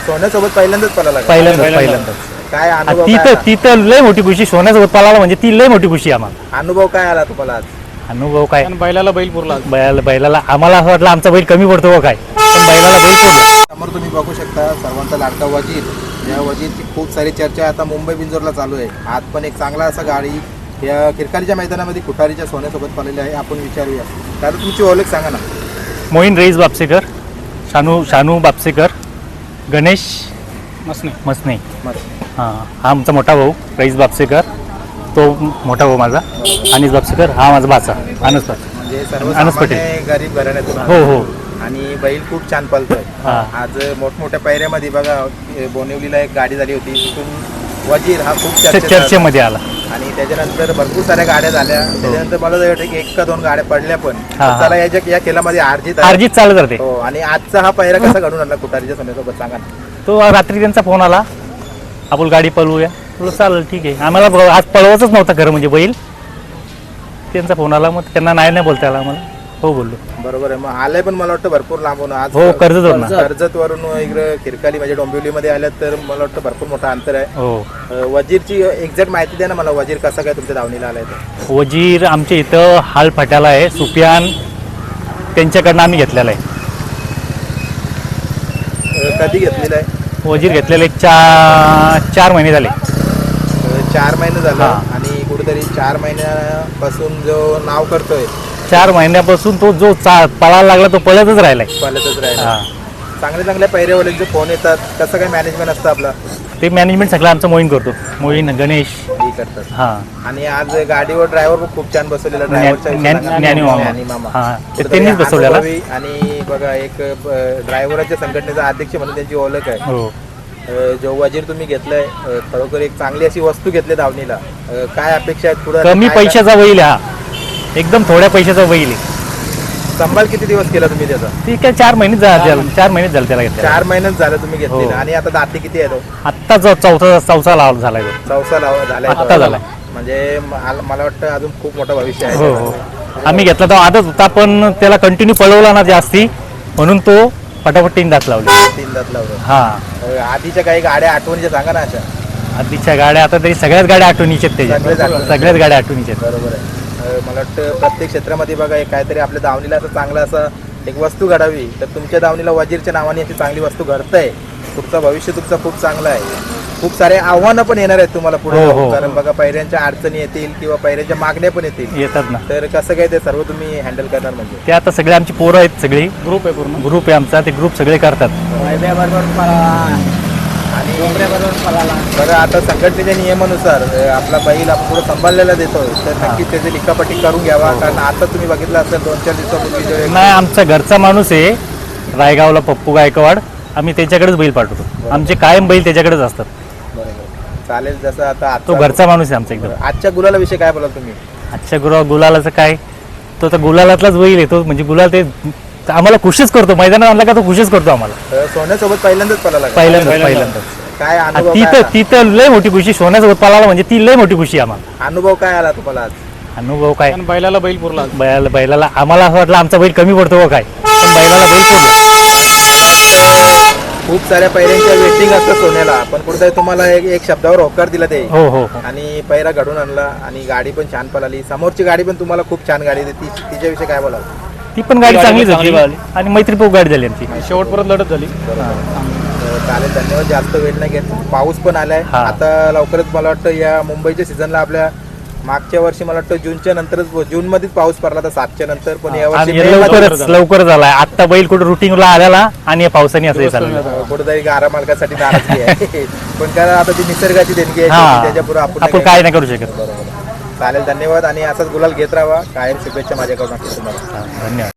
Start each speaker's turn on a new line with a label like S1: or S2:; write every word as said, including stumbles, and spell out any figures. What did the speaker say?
S1: सोन्यासोबत पहिल्यांदाच पळाला का?
S2: पहिल्यांदाच पहिल्यांदाच
S1: काय
S2: आणि
S1: अनुभव
S2: ती
S1: काय
S2: तर
S1: आला?
S2: ती तर लय मोठी खुशी, सोन्यासोबत पळाला म्हणजे ती लय मोठी खुशी आम्हाला.
S1: अनुभव काय आला तुम्हाला आज?
S2: अनुभव काय,
S3: कारण बैलाला बैल पुरला.
S2: बैला बैलाला आम्हाला असं वाटलं आमचा बैल कमी पडतो काय, पण बैलाला बैल पडला.
S1: समोर तुम्ही बघू शकता सर्वांचा लाडका वजीर. या वजीरची खूप सारी चर्चा आता मुंबई बिंजोरला चालू आहे. आज पण एक चांगला असा गाडी या किरकारीच्या मैदानामध्ये कुठारीच्या सोन्यासोबत पळलेली आहे. आपण विचारूया दादा, तुमची ओळख सांगा ना.
S2: मोहीन रईस बापसेकर, शानू शानू बापसेकर, गणेश
S3: मसने
S2: मसने.
S1: मस्त.
S2: हां, हा आमचा मोठा भाऊ रईस बापसेकर, तो मोठा भाऊ माझा. अनिस बापसेकर हा माझा भाचा अनस बाप.
S1: म्हणजे
S2: अनस
S1: सर्वसामान्य
S2: पटेल.
S1: गरीब घराण्यातून
S2: हो
S1: आला.
S2: हो.
S1: आणि बैल खूप छान पळतोय.
S2: हा.
S1: आज मोठमोठ्या पायऱ्यामध्ये बघा बोनिवलीला एक गाडी झाली होती, तिथून वजीर हा खूप चर्चेत आला.
S2: चर्चेमध्ये आला.
S1: आणि त्याच्यानंतर भरपूर साऱ्या गाड्या झाल्या. त्याच्यानंतर मला असं वाटतं की एक का दोन गाड्या पडल्या पण.
S2: हा, हा.
S1: चला याच्या या खेळामध्ये अर्जित आहे.
S2: अर्जित चालत राहते.
S1: हो. आणि आजचा हा पायरा कसा घडून आणला कुठारीच्या सोन्यासोबत सांगा ना.
S2: तो रात्री त्यांचा फोन आला, आपण गाडी पळवूया. तुला चालेल ठीक आहे. आम्हाला ब- आज पळवायचंच नव्हतं खरं म्हणजे बैल. त्यांचा फोन आला, मग त्यांना नाही नाही बोलता आला आम्हाला. हो बोललो.
S1: बरोबर आहे. मग आलंय पण मला वाटतं भरपूर लांबून आज.
S2: हो, कर्जतवरून.
S1: कर्जत वरून इकडे किरकाली म्हणजे डोंबिवलीमध्ये आल्यात तर मला वाटतं भरपूर मोठं अंतर आहे.
S2: हो.
S1: अं, वजीरची एक्झॅक्ट माहिती द्या ना मला. वजीर कसा काय तुमच्या दावणीला आलाय तर?
S2: वजीर आमच्या इथं हाल फाट्याला आहे, सुफियान त्यांच्याकडनं आम्ही घेतलेला आहे.
S1: अं, कधी घेतलेला आहे?
S2: वजीर घेतलेले एक चार चार महिने झाले.
S1: अं, चार महिने झालं.
S2: हा.
S1: आणि कुठेतरी चार महिन्यापासून जो नाव करतोय
S2: चार महिन्यापासून तो जो चा पळायला लागला तो पळतच राहिलाय.
S1: पळतच राहिला.
S2: हा.
S1: चांगल्या चांगल्या पैऱ्यावाल्यांचे फोन येतात, कसं काय मॅनेजमेंट असतं आपलं?
S2: ते मॅनेजमेंट सगळं आमचं मोहीन करतो. मोहीन, गणेश.
S1: हे करतात.
S2: हां.
S1: आणि आज गाडीवर ड्रायव्हर पण खूप छान बसवलेला. ड्रायव्हरच्या
S2: ज्ञानी मामा. हां, ते त्यांनीच बसवलेला.
S1: आणि बघा एक ड्रायव्हरच्या संघटनेचा अध्यक्ष म्हणून त्यांची ओळख आहे.
S2: हो.
S1: अं, जो वजीर तुम्ही घेतलाय, अं, खरोखर एक चांगली अशी वस्तू घेतली धावणीला. अं, काय अपेक्षा आहेत पुढे?
S2: कमी पैशाचा बैल आहे हा, एकदम थोड्या पैशाचा बैल आहे.
S1: संभाळ किती दिवस केला तुम्ही त्याचा?
S2: ती काय चार महिने झाले, चार महिने झाले त्याला घेतला.
S1: चार महिन्यात झालं तुम्ही घेतलेला.
S2: हो.
S1: आणि आता दाती किती आहे तो?
S2: आत्ता जो चौथा चौथा लाव झालाय तो.
S1: चौसा लाव झालाय.
S2: आत्ता झालाय.
S1: म्हणजे मला मला वाटतं अजून खूप मोठं भविष्य आहे.
S2: हो हो. आम्ही घेतला तो आधीच होता, पण त्याला कंटिन्यू पळवला ना जास्ती, म्हणून तो पटापट तीन दात लावले.
S1: तीन दात लावलं.
S2: हा.
S1: अं, आधीच्या काही गाड्या आठवणीच्या सांगा ना अशा.
S2: आधीच्या गाड्या आता तरी सगळ्याच गाड्या आठवणीच्या आहेत
S1: सगळ्याच
S2: त्याच्या.
S1: आठवणीच्या.
S2: सगळ्याच गाड्या आठवणीच्या आहेत.
S1: बरोबर आहे. अं, मला वाटतं प्रत्येक क्षेत्रामध्ये बघा एक काहीतरी आपल्या दावणीला असं चांगलं असं एक वस्तू घडावी. तर तुमच्या दावणीला वजीरच्या नावाने अशी चांगली वस्तू घडतंय. पुढचं भविष्य तुमचं खूप चांगलं आहे. खूप सारे आव्हानं पण येणार आहेत तुम्हाला पुढे.
S2: हो, हो.
S1: कारण बघा पैऱ्यांच्या अडचणी येतील किंवा पैऱ्यांच्या मागण्या पण येतील.
S2: येतात ना.
S1: तर कसं काय ते सर्व तुम्ही हँडल करणार म्हणजे?
S2: ते आता सगळे आमची पोरं आहेत, सगळी
S3: ग्रुप आहे पूर्ण.
S2: ग्रुप आहे आमचा, ते ग्रुप सगळे करतात.
S1: आणि बघा आता संघटनेच्या नियमानुसार अं, आपला बैल आपण पुढे सांभाळलेला देतोय तर नक्कीच त्याची लिखापट्टी करून घ्यावा. कारण आता तुम्ही बघितलं असेल दोन चार दिवसापूर्वी जो एक-
S2: नाही, आमचा घरचा माणूस आहे रायगावला, पप्पू गायकवाड. आम्ही त्याच्याकडेच बैल पाठवतो. आमचे कायम बैल त्याच्याकडेच असतात.
S1: बरोबर. चालेल. जसं आता
S2: तो
S1: आजचा
S2: घरचा माणूस आहे आमचा एकदम.
S1: आजच्या गुलाला विषय काय बोलाल तुम्ही?
S2: आजच्या गुरा गुलालाचं काय, तो तर गुलालातलाच बैल आहे तो. म्हणजे गुलाल ते आम्हाला खुशीच करतो. मैदानात आणला का तो खुशीच करतो आम्हाला.
S1: अं, सोन्यासोबत पहिल्यांदाच पळाला का?
S2: पहिल्यांदाच पहिल्यांदाच
S1: काय
S2: आणि
S1: अनुभव
S2: ती
S1: काय
S2: तर
S1: आला?
S2: ती तर लय मोठी खुशी, सोन्यासोबत पळाला म्हणजे ती लय मोठी खुशी आम्हाला.
S1: अनुभव काय आला तुम्हाला आज?
S2: अनुभव काय,
S3: कारण बैलाला बैल पुरला.
S2: बैला बैलाला आम्हाला असं वाटलं आमचा बैल कमी पडतो काय, पण बैलाला बैल पडला.
S1: खूप साऱ्या पैऱ्यांच्या वेटिंग असतं सोन्याला, पण कुठेतरी तुम्हाला एक एक शब्दावर होकार दिला ते.
S2: हो हो हो.
S1: आणि पैरा घडून आणला आणि गाडी पण छान पळाली. समोरची गाडी पण तुम्हाला खूप छान गाडी होती. ती तिच्याविषयी काय बोलाल?
S2: ती पण गाडी
S3: गाडी
S2: चांगलीच
S3: चांगली
S2: होती
S3: पळाली.
S2: आणि मैत्रीपूर्ण गाडी झाली आमची.
S3: शेवटपर्यंत लढत झाली.
S1: तर चालेल. धन्यवाद. जास्त वेळ नाही घेत. पाऊस पण आलाय
S2: हा.
S1: आता लवकरच. मला वाटतं या मुंबईच्या सीझनला आपल्या मागच्या वर्षी मला वाटतं जूनच्या नंतरच, जून मध्येच पाऊस पडला तर सातच्या नंतर. पण यावर्षी
S2: आणि
S1: मे मध्ये
S2: लवकरच लवकर झालाय. आत्ता बैल कुठे रुटीनला आलेला आणि या पावसाने असं चाललं.
S1: कुठेतरी गारा मालकासाठी नाराजगी आहे. पण कारण आता ती निसर्गाची देणगी आहे.
S2: हा,
S1: त्याच्या पुढे आपण
S2: आपण काय नाही करू शकत.
S1: बरोबर. चालेल. धन्यवाद. आणि असाच गुलाल घेत राहा. कायम शुभेच्छा माझ्याकडून तुम्हाला.
S2: हा, धन्यवाद.